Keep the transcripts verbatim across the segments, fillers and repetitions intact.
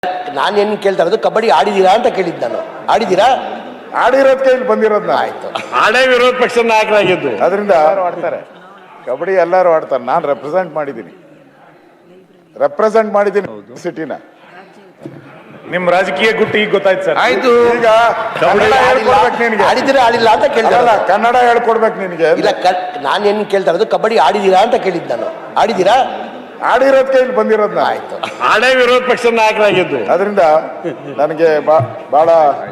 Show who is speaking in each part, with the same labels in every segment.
Speaker 1: ನಾನೇನು ಕೇಳ್ತಾ ಇರೋದು ಕಬಡ್ಡಿ ಆಡಿದೀರಾ ಅಂತ ಕೇಳಿದ್ದು ನಾನು. ಆಡಿದೀರಾ?
Speaker 2: ಆಡಿರೋದ್ ಕೈಲಿ ಬಂದಿರೋದ್ನ
Speaker 1: ಆಯ್ತು.
Speaker 3: ಆಡೇ ವಿರೋಧ ಪಕ್ಷದ ನಾಯಕರಾಗಿದ್ದು
Speaker 2: ಅದರಿಂದ ಆಡ್ತಾರೆ ಕಬಡ್ಡಿ ಎಲ್ಲರೂ ಆಡ್ತಾರೆ. ನಾನು ರೆಪ್ರೆಸೆಂಟ್ ಮಾಡಿದ್ದೀನಿ ರೆಪ್ರೆಸೆಂಟ್ ಮಾಡಿದ್ದೀನಿ ಸಿಟಿನ.
Speaker 4: ನಿಮ್ ರಾಜಕೀಯ ಗುಟ್ಟು ಈಗ ಗೊತ್ತಾಯ್ತು ಸರ್.
Speaker 2: ಆಯ್ತು, ಈಗ ಕನ್ನಡ ಹೇಳ್ಕೊಡ್ಬೇಕು ನಿನಗೆ.
Speaker 1: ಆಡಿದೀರಾ ಆಡಿಲ್ಲ ಅಂತ ಕೇಳ್ತಾ
Speaker 2: ಅಲ್ಲ,
Speaker 1: ಇರೋದು.
Speaker 2: ಕನ್ನಡ ಹೇಳ್ಕೊಡ್ಬೇಕು ನಿನಗೆ.
Speaker 1: ಇಲ್ಲ, ನಾನೇನು ಕೇಳ್ತಾ ಇರೋದು ಕಬಡ್ಡಿ ಆಡಿದೀರಾ ಅಂತ ಕೇಳಿದ್ದು ನಾನು. ಆಡಿದೀರಾ?
Speaker 2: ಆಡಿರೋದ್ ಕೈಲಿ ಬಂದಿರೋದ್ನ.
Speaker 1: ಆಯ್ತು.
Speaker 3: ಆಡೇ ವಿರೋಧ ಪಕ್ಷದ ನಾಯಕರಾಗಿದ್ದು
Speaker 2: ಅದರಿಂದ ನನಗೆ ಬಹಳ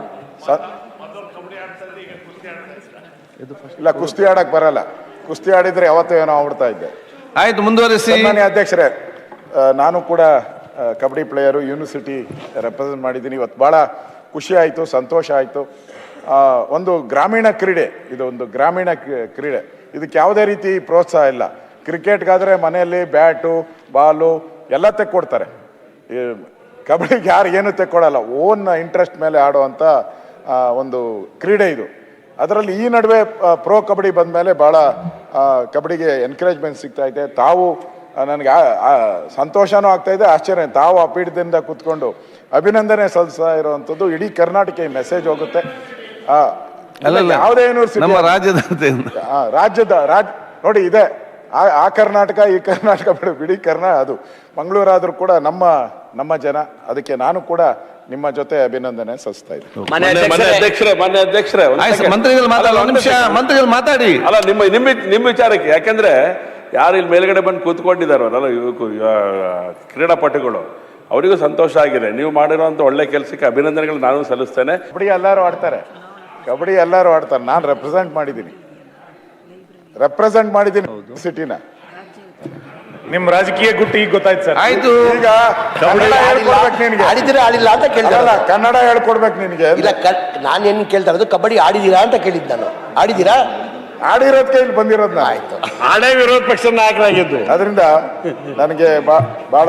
Speaker 2: ಇಲ್ಲ, ಕುಸ್ತಿ ಆಡಕ್ ಬರಲ್ಲ. ಕುಸ್ತಿ ಆಡಿದ್ರೆ ಯಾವತ್ತೂ ಏನೋ ಆಗ್ಬಿಡ್ತಾ ಇದ್ದೆ.
Speaker 5: ಆಯ್ತು, ಮುಂದುವರಿಸಿ.
Speaker 2: ಸನ್ಮಾನ್ಯ ಅಧ್ಯಕ್ಷರೇ, ಆ, ನಾನು ಕೂಡ ಆ, ಕಬಡ್ಡಿ ಪ್ಲೇಯರು ಯೂನಿವರ್ಸಿಟಿ ರೆಪ್ರೆಸೆಂಟ್ ಮಾಡಿದ್ದೀನಿ. ಇವತ್ತು ಭಾಳ ಖುಷಿ ಆಯಿತು, ಸಂತೋಷ ಆಯಿತು. ಒಂದು ಗ್ರಾಮೀಣ ಕ್ರೀಡೆ, ಇದು ಒಂದು ಗ್ರಾಮೀಣ ಕ್ರೀಡೆ. ಇದಕ್ಕೆ ಯಾವುದೇ ರೀತಿ ಪ್ರೋತ್ಸಾಹ ಇಲ್ಲ. ಕ್ರಿಕೆಟ್ಗಾದರೆ ಮನೆಯಲ್ಲಿ ಬ್ಯಾಟು ಬಾಲು ಎಲ್ಲ ತೆಕ್ಕೊಡ್ತಾರೆ. ಈ ಕಬಡ್ಡಿಗೆ ಯಾರು ಏನು ತೆಕ್ಕೊಡಲ್ಲ. ಓನ್ ಇಂಟ್ರೆಸ್ಟ್ ಮೇಲೆ ಆಡುವಂಥ ಒಂದು ಕ್ರೀಡೆ ಇದು. ಅದರಲ್ಲಿ ಈ ನಡುವೆ ಪ್ರೋ ಕಬಡ್ಡಿ ಬಂದ ಮೇಲೆ ಭಾಳ ಕಬಡ್ಡಿಗೆ ಎನ್ಕರೇಜ್ಮೆಂಟ್ ಸಿಗ್ತಾ ಇದೆ. ತಾವು ನನಗೆ ಸಂತೋಷನೂ ಆಗ್ತಾ ಇದೆ, ಆಶ್ಚರ್ಯ. ತಾವು ಆ ಪೀಠದಿಂದ ಕೂತ್ಕೊಂಡು ಅಭಿನಂದನೆ ಸಲ್ಲಿಸ್ತಾ ಇರುವಂಥದ್ದು ಇಡೀ ಕರ್ನಾಟಕ ಈ ಮೆಸೇಜ್ ಹೋಗುತ್ತೆ. ಯಾವುದೇ ಯೂನಿವರ್ಸಿಟಿ
Speaker 5: ನಮ್ಮ ರಾಜ್ಯದ
Speaker 2: ರಾಜ್ಯದ ರಾಜ್ ನೋಡಿ ಇದೆ. ಆ ಆ ಕರ್ನಾಟಕ ಈ ಕರ್ನಾಟಕ ಬಿಡು, ಬಿಡಿ ಕರ್ನಾ ಅದು ಮಂಗಳೂರಾದ್ರೂ ಕೂಡ ನಮ್ಮ ನಮ್ಮ ಜನ. ಅದಕ್ಕೆ ನಾನು ಕೂಡ ನಿಮ್ಮ ಜೊತೆ ಅಭಿನಂದನೆ ಸಲ್ಲಿಸ್ತಾ ಇದ್ದೀನಿ.
Speaker 3: ಅಧ್ಯಕ್ಷರೇ ಮಾನ್ಯ ಅಧ್ಯಕ್ಷರೇ
Speaker 5: ಮಂತ್ರಿಗಳು ಮಾತಾಡಿ ನಿಮಿಷ ಮಂತ್ರಿಗಳು ಮಾತಾಡಿ.
Speaker 3: ಅಲ್ಲ, ನಿಮ್ಮ ನಿಮ್ಮ ನಿಮ್ಮ ವಿಚಾರಕ್ಕೆ, ಯಾಕಂದ್ರೆ ಯಾರು ಇಲ್ಲಿ ಮೇಲ್ಗಡೆ ಬಂದು ಕೂತ್ಕೊಂಡಿದ್ದಾರಲ್ಲ ಯುವಕ ಕ್ರೀಡಾಪಟುಗಳು, ಅವರಿಗೂ ಸಂತೋಷ ಆಗಿದೆ. ನೀವು ಮಾಡಿರುವಂಥ ಒಳ್ಳೆ ಕೆಲಸಕ್ಕೆ ಅಭಿನಂದನೆಗಳು ನಾನು ಸಲ್ಲಿಸ್ತೇನೆ.
Speaker 2: ಕಬಡ್ಡಿ ಎಲ್ಲರೂ ಆಡ್ತಾರೆ ಕಬಡ್ಡಿ ಎಲ್ಲರೂ ಆಡ್ತಾರೆ. ನಾನು ರೆಪ್ರೆಸೆಂಟ್ ಮಾಡಿದ್ದೀನಿ ರೆಪ್ರೆಸೆಂಟ್ ಮಾಡಿದ್ದೀನಿ ಸಿಟಿನ.
Speaker 4: ನಿಮ್ ರಾಜಕೀಯ ಗುಟ್ಟು ಈಗ ಗೊತ್ತಾಯ್ತು ಸರ್.
Speaker 5: ಆಯ್ತು,
Speaker 2: ಈಗ ಕನ್ನಡ ಹೇಳ್ಕೊಡ್ಬೇಕು ನಿನಗೆ.
Speaker 1: ಆಡಿದೀರಾ ಆಡಿಲ್ಲ ಅಂತ ಕೇಳ್ತಾ
Speaker 2: ಅಲ್ಲ,
Speaker 1: ಇರೋದು.
Speaker 2: ಕನ್ನಡ ಹೇಳ್ಕೊಡ್ಬೇಕು ನಿನಗೆ.
Speaker 1: ಇಲ್ಲ, ನಾನೇನು ಕೇಳ್ತಾ ಇರೋದು ಕಬಡ್ಡಿ ಆಡಿದೀರಾ ಅಂತ ಕೇಳಿದ್ದು ನಾನು. ಆಡಿದೀರಾ?
Speaker 2: ಆಡಿರೋದ್ ಕೈಲಿ ಬಂದಿರೋದ್ನ.
Speaker 1: ಆಯ್ತು.
Speaker 3: ಆಡೇ ವಿರೋಧ ಪಕ್ಷದ ನಾಯಕರಾಗಿದ್ದು
Speaker 2: ಅದರಿಂದ ನನಗೆ ಬಹಳ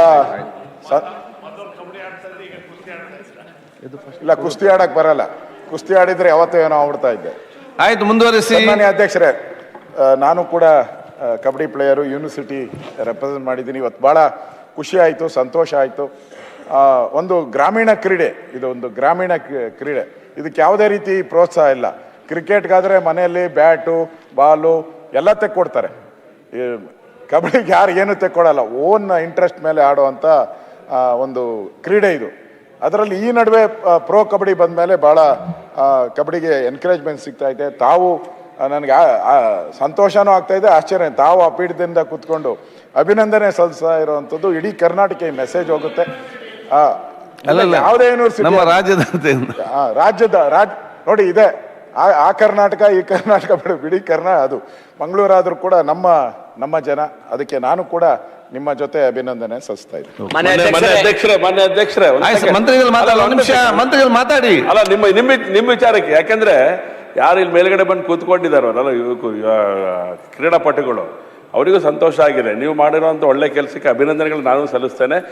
Speaker 2: ಇಲ್ಲ, ಕುಸ್ತಿ ಆಡಕ್ ಬರಲ್ಲ. ಕುಸ್ತಿ ಆಡಿದ್ರೆ ಯಾವತ್ತೂ ಏನೋ ಆಗ್ಬಿಡ್ತಾ ಇದ್ದೆ.
Speaker 5: ಆಯ್ತು, ಮುಂದುವರಿಸಿ.
Speaker 2: ಸನ್ಮಾನ್ಯ ಅಧ್ಯಕ್ಷರೇ, ಆ, ನಾನು ಕೂಡ ಆ, ಕಬಡ್ಡಿ ಪ್ಲೇಯರು ಯೂನಿವರ್ಸಿಟಿ ರೆಪ್ರೆಸೆಂಟ್ ಮಾಡಿದ್ದೀನಿ. ಇವತ್ತು ಭಾಳ ಖುಷಿ ಆಯಿತು, ಸಂತೋಷ ಆಯಿತು. ಒಂದು ಗ್ರಾಮೀಣ ಕ್ರೀಡೆ, ಇದು ಒಂದು ಗ್ರಾಮೀಣ ಕ್ರೀಡೆ. ಇದಕ್ಕೆ ಯಾವುದೇ ರೀತಿ ಪ್ರೋತ್ಸಾಹ ಇಲ್ಲ. ಕ್ರಿಕೆಟ್ಗಾದರೆ ಮನೆಯಲ್ಲಿ ಬ್ಯಾಟು ಬಾಲು ಎಲ್ಲ ತೆಕ್ಕೊಡ್ತಾರೆ. ಈ ಕಬಡ್ಡಿಗೆ ಯಾರು ಏನು ತೆಕ್ಕೊಡಲ್ಲ. ಓನ್ ಇಂಟ್ರೆಸ್ಟ್ ಮೇಲೆ ಆಡುವಂಥ ಒಂದು ಕ್ರೀಡೆ ಇದು. ಅದರಲ್ಲಿ ಈ ನಡುವೆ ಪ್ರೋ ಕಬಡ್ಡಿ ಬಂದ ಮೇಲೆ ಭಾಳ ಕಬಡ್ಡಿಗೆ ಎನ್ಕರೇಜ್ಮೆಂಟ್ ಸಿಗ್ತಾ ಇದೆ. ತಾವು ನನಗೆ ಸಂತೋಷನೂ ಆಗ್ತಾ ಇದೆ, ಆಶ್ಚರ್ಯ. ತಾವು ಆ ಪೀಠದಿಂದ ಕೂತ್ಕೊಂಡು ಅಭಿನಂದನೆ ಸಲ್ಲಿಸ್ತಾ ಇರುವಂಥದ್ದು ಇಡೀ ಕರ್ನಾಟಕ ಈ ಮೆಸೇಜ್ ಹೋಗುತ್ತೆ. ಯಾವುದೇ ಯೂನಿವರ್ಸಿಟಿ
Speaker 5: ನಮ್ಮ ರಾಜ್ಯದ
Speaker 2: ರಾಜ್ಯದ ರಾಜ್ ನೋಡಿ ಇದೆ. ಆ ಆ ಕರ್ನಾಟಕ ಈ ಕರ್ನಾಟಕ ಬಿಡು, ಬಿಡಿ ಕರ್ನಾ ಅದು ಮಂಗಳೂರಾದ್ರೂ ಕೂಡ ನಮ್ಮ ನಮ್ಮ ಜನ. ಅದಕ್ಕೆ ನಾನು ಕೂಡ ನಿಮ್ಮ ಜೊತೆ ಅಭಿನಂದನೆ ಸಲ್ಲಿಸ್ತಾ ಇದ್ದೀನಿ.
Speaker 3: ಅಧ್ಯಕ್ಷರೇ ಮಾನ್ಯ ಅಧ್ಯಕ್ಷರೇ
Speaker 5: ಮಂತ್ರಿಗಳು ಮಾತಾಡಿ ನಿಮಿಷ ಮಂತ್ರಿಗಳು ಮಾತಾಡಿ.
Speaker 3: ಅಲ್ಲ, ನಿಮ್ಮ ನಿಮ್ಮ ನಿಮ್ಮ ವಿಚಾರಕ್ಕೆ, ಯಾಕಂದ್ರೆ ಯಾರು ಇಲ್ಲಿ ಮೇಲ್ಗಡೆ ಬಂದು ಕೂತ್ಕೊಂಡಿದ್ದಾರಲ್ಲ ಯುವಕ ಕ್ರೀಡಾಪಟುಗಳು, ಅವರಿಗೂ ಸಂತೋಷ ಆಗಿದೆ. ನೀವು ಮಾಡಿರುವಂಥ ಒಳ್ಳೆ ಕೆಲಸಕ್ಕೆ ಅಭಿನಂದನೆಗಳು ನಾನು ಸಲ್ಲಿಸ್ತೇನೆ.